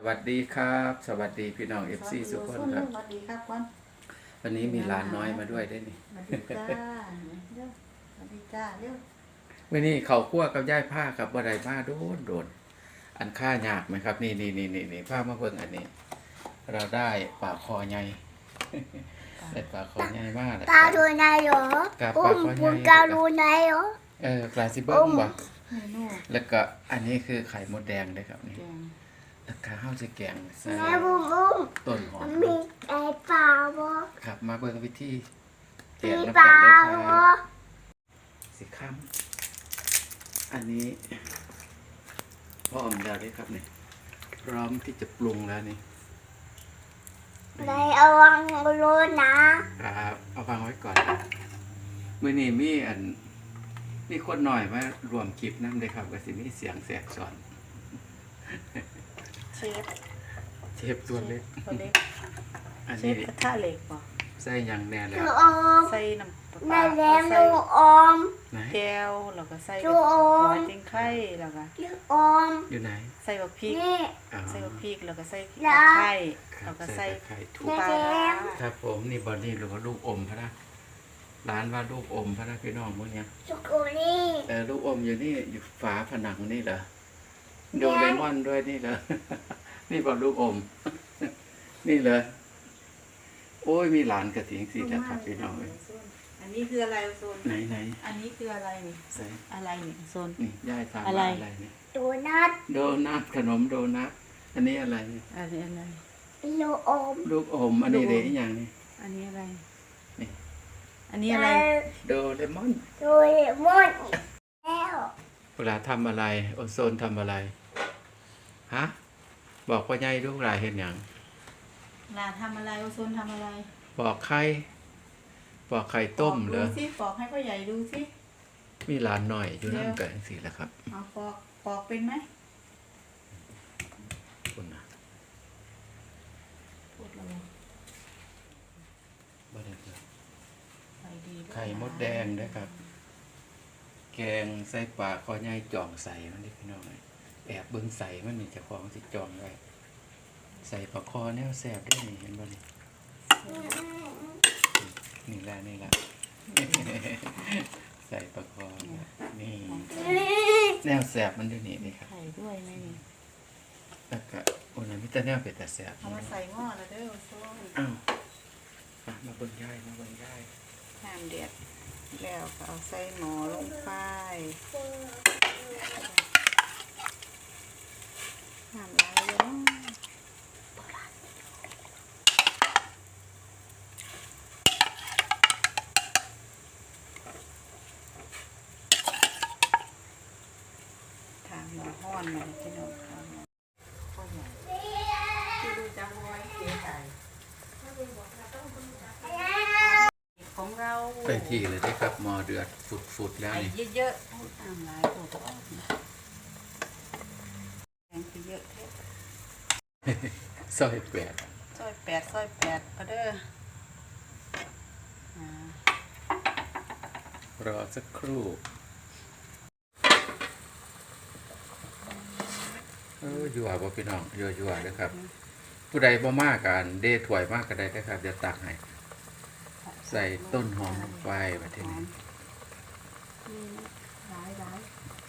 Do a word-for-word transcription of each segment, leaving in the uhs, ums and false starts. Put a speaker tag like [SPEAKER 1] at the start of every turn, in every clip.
[SPEAKER 1] วัสดีครับสวัสดีพี่น้องเอฟซีทุกคนครับ
[SPEAKER 2] สวัสดีครับก่อน
[SPEAKER 1] วันนี้มีหลานน้อยมาด้วยได้นี่
[SPEAKER 2] สวัสดีจ้าเร็วสวัสดีจ้าเร็ว
[SPEAKER 1] วันนี้เขาคั่วกับย่ายผ้ากับบัไดมาโดนโดนอันค่ายากไหมครับ นี่นี่นี่นี่นี่ผ้ามาเบิ่งอันนี้ เราได้ปลาคอใหญ่ ได้ปลาคอใหญ่มากเลย
[SPEAKER 3] ปลาดูไหนเหรอ
[SPEAKER 1] กับป
[SPEAKER 3] อุ้
[SPEAKER 1] ลาม คอให
[SPEAKER 3] ปุ
[SPEAKER 1] ญ่
[SPEAKER 3] กาดูไหนเหรอ
[SPEAKER 1] เออปลาซิเบิ้งบ่
[SPEAKER 2] เมนู
[SPEAKER 1] แล้วก็อันนี้คือไข่มดแดงด้วยครับนี่
[SPEAKER 2] แกง
[SPEAKER 1] แล้วก็ข้าวจะแกงใส่
[SPEAKER 3] แม่บุ้มบุ้ม
[SPEAKER 1] ต้นหอม
[SPEAKER 3] มันมีไก่ปลาบ่
[SPEAKER 1] ครับมาเบิ่งวิธีแก
[SPEAKER 3] มี
[SPEAKER 1] งน้ำ
[SPEAKER 3] ป
[SPEAKER 1] กั
[SPEAKER 3] ลาน
[SPEAKER 1] เลยค
[SPEAKER 3] บ่
[SPEAKER 1] รับสิค้ำอันนี้พร้อมแล้วเลยครับนี่พร้อมที่จะปรุงแล้วนี่
[SPEAKER 3] ในเอาวังโลนะครับ
[SPEAKER 1] เอาวางไว้ก่อนมื้อนี้มีอันมีคนหน่อยมารวมคลิปนำเลยครับก็สิมีเสียงแสกสอน
[SPEAKER 2] เชฟ
[SPEAKER 1] เชฟตัวเล็ก
[SPEAKER 2] ตัวเล็ก
[SPEAKER 1] อัน
[SPEAKER 2] เช
[SPEAKER 1] นี้
[SPEAKER 2] ฟกระทะเหล็กป่ะ
[SPEAKER 1] ใส่หยังแน่แล้ว
[SPEAKER 3] ลูกอม
[SPEAKER 2] ใส่น้ำป
[SPEAKER 3] ใน
[SPEAKER 2] ลา
[SPEAKER 3] แหลม
[SPEAKER 2] ใส่
[SPEAKER 3] ลูกอม
[SPEAKER 1] ไหน
[SPEAKER 2] แก้วแล้วก็ใส่
[SPEAKER 3] ลูกอ
[SPEAKER 2] หัว
[SPEAKER 3] ม
[SPEAKER 2] จิ้งไข่แล้วก็
[SPEAKER 3] ลูกอม
[SPEAKER 1] อยู่ไหน
[SPEAKER 2] ใส่บักพริก
[SPEAKER 3] นี่
[SPEAKER 1] อ๋อ
[SPEAKER 2] ใส่บักพริกแล้วก็ใส่
[SPEAKER 3] แล้
[SPEAKER 2] ตะ
[SPEAKER 3] ว
[SPEAKER 2] ไคร้
[SPEAKER 1] ครั
[SPEAKER 2] แล้
[SPEAKER 1] บ
[SPEAKER 2] วก็
[SPEAKER 1] ใส่
[SPEAKER 2] ใส่
[SPEAKER 1] ไข่ถู
[SPEAKER 3] แม่
[SPEAKER 2] ปลา
[SPEAKER 3] แซม
[SPEAKER 1] ครับผมนี่บอดี้หรือว่าลูกอมพะนะร้านว่าลูกอมพะนะพี่น้องพวกเนี้ย
[SPEAKER 3] สุกุนี่
[SPEAKER 1] เออลูกอมอยู่นี่อยู่ฝาผนังนี่เหรอโดเรมอนด้วยนี่เหรอ นี่บอกลูกอม นี่เหรอโอ้ยมีหลานกระถิงสีแล้วครับพี่น้องเอ้ย
[SPEAKER 2] อันนี้คืออะไรโซน
[SPEAKER 1] ไหนไหน
[SPEAKER 2] อันนี้คืออะไรนี่
[SPEAKER 1] ใส่
[SPEAKER 2] อะไรนี่โซน
[SPEAKER 1] นี่ย่ายทำ
[SPEAKER 2] อะไร
[SPEAKER 1] อะไรนี่
[SPEAKER 3] โดนัท
[SPEAKER 1] โดนัทขนมโดนัทอันนี้อะไรนี่
[SPEAKER 2] อันนี้อะไร
[SPEAKER 3] ลูกอม
[SPEAKER 1] ลูกอมอันนี้เด็กอย่างนี้
[SPEAKER 2] อันนี้อะไร
[SPEAKER 1] นี่
[SPEAKER 2] อันนี้อะไร
[SPEAKER 1] โดเรมอน
[SPEAKER 3] โดเรมอนแล้ว
[SPEAKER 1] เวลาทำอะไรโอโซนทำอะไรฮะบอกว่าย่ายลูกหลายเห็นอย่าง
[SPEAKER 2] ลาทำอะไรโอโซนทำอะไร
[SPEAKER 1] บอกไข่บอกไข่ต้มเหรอ
[SPEAKER 2] ดูสิปอกให้พ่อใหญ่ดูสิ
[SPEAKER 1] มีหลานหน่อยอยู่นั่นกันสิแหละครับ
[SPEAKER 2] เอาปอกปอกเป็นไหม
[SPEAKER 1] คุณนะ
[SPEAKER 2] พูดแล้ว
[SPEAKER 1] บ่ได้เลย
[SPEAKER 2] ใส่ดีด้วย
[SPEAKER 1] ไข่มดแดงนะครับ แกงใส่ปลาคอใหญ่จ่องใส่มันนี่พี่น้องเอ้ยแอบเบิ่งใส่มันนี่เจะของสิจ่องไว้ใส่ปลาคอแนวแซ่บได้นี่เห็นบ่นี่นี่แหละนี่แหละ ใส่ปลาคอเนี่ยนี่แนวแซ่บมันอยู่นี่นี่ครับ
[SPEAKER 2] ไข่ด้วยไหมนี่
[SPEAKER 1] แล้วก็โอ้ยมีแต่แนวเป็ดแต่แซ่บ
[SPEAKER 2] เอามาใส่หม้อแล้วเด้อโอโซน
[SPEAKER 1] อ้าวอ่ะมาเบิ่งย่ายมาเบิ่งย่าย
[SPEAKER 2] น้ำเดือดแล้วก็เอาใส่หม้อลงไปน้ำลายเยอะทางหม้อห้อนมาที่น้องทางพ่อใหญ่ที่ดูจังไว้เสียใจของเรา
[SPEAKER 1] ไปที่เลยได้ครับหมอเดือดฟุดๆแล้ว
[SPEAKER 2] ไอ้
[SPEAKER 1] นี่
[SPEAKER 2] เยอะๆเอาตามหลายตัวก็แกงคือเยอะแท้
[SPEAKER 1] ซอยแปด
[SPEAKER 2] ซอยแปดซอยแปดก็เด้ออ่าร
[SPEAKER 1] อสักครู่เอออยู่อ่ะบ่พี่น้องอยู่อยู่อ่ะนะครับ ผู้ใดบ่มากกันเดถวยมากก็ได้นะครับเดี๋ยวตักให้ใส่ต้นหอมลงไปแบบนี้
[SPEAKER 2] อืมหลายหลาย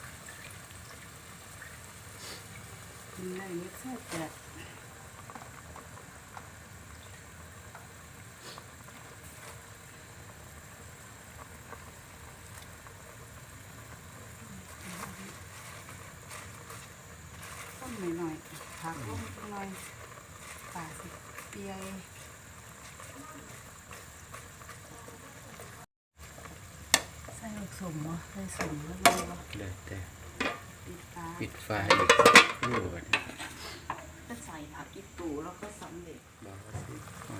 [SPEAKER 2] กินได้นิดซอยแปดต้นหน่อยๆผักลงหน่อยป่าสิเปียใส่ลูกสุ่มวะใส่สุ่มแล้วก็
[SPEAKER 1] เลยแต่
[SPEAKER 2] ปิดฝา
[SPEAKER 1] ปิดไฟอีกสักครู่ก่อน
[SPEAKER 2] ก็ใส่ผักอีตูแล้วก็สำเร็จ
[SPEAKER 1] บอกว่าสิ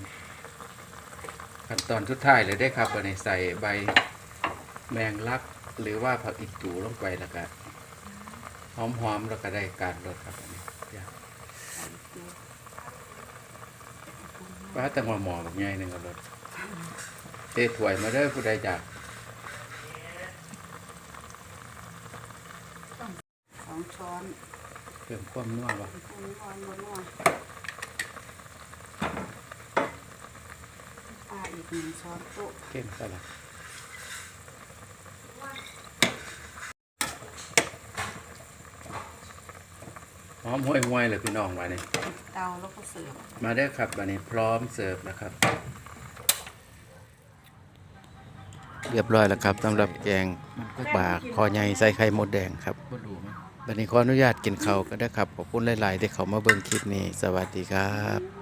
[SPEAKER 1] ขั้นตอนสุดท้ายเลยได้ครับวันนี้ใส่ใบแมงลักหรือว่าผักอีตูลงไปแล้วก็หอมๆแล้วก็ได้การรสครับอันนี้อยาก
[SPEAKER 2] ใส่อีตู
[SPEAKER 1] ว่าแต่งหมอแบบใหญ่หนึ่งก็รสเตะถวยมาเด้อผู้ใดอยาก
[SPEAKER 2] สองช้อน
[SPEAKER 1] เพิ่มความนัวบ่
[SPEAKER 2] อันนี้อ่อนนัวหนึ่งช้อนโต๊ะ
[SPEAKER 1] เก่งซะละหอมห่วยห่วยเลยพี่น้องมาเนี่ย
[SPEAKER 2] ปิดเตาแล้วก็เสิร์ฟ
[SPEAKER 1] มาได้อครับวันนี้พร้อมเสิร์ฟนะครับ เรียบร้อยแล้วครับสำหรับแกงปลาคอใหญ่ใส่ไข่มดแดงครับวันนี้ขออนุญาตกินข้าวก็ได้ครับขอบคุณหลายๆที่เขามาเบิ่งคลิปนี้สวัสดีครับ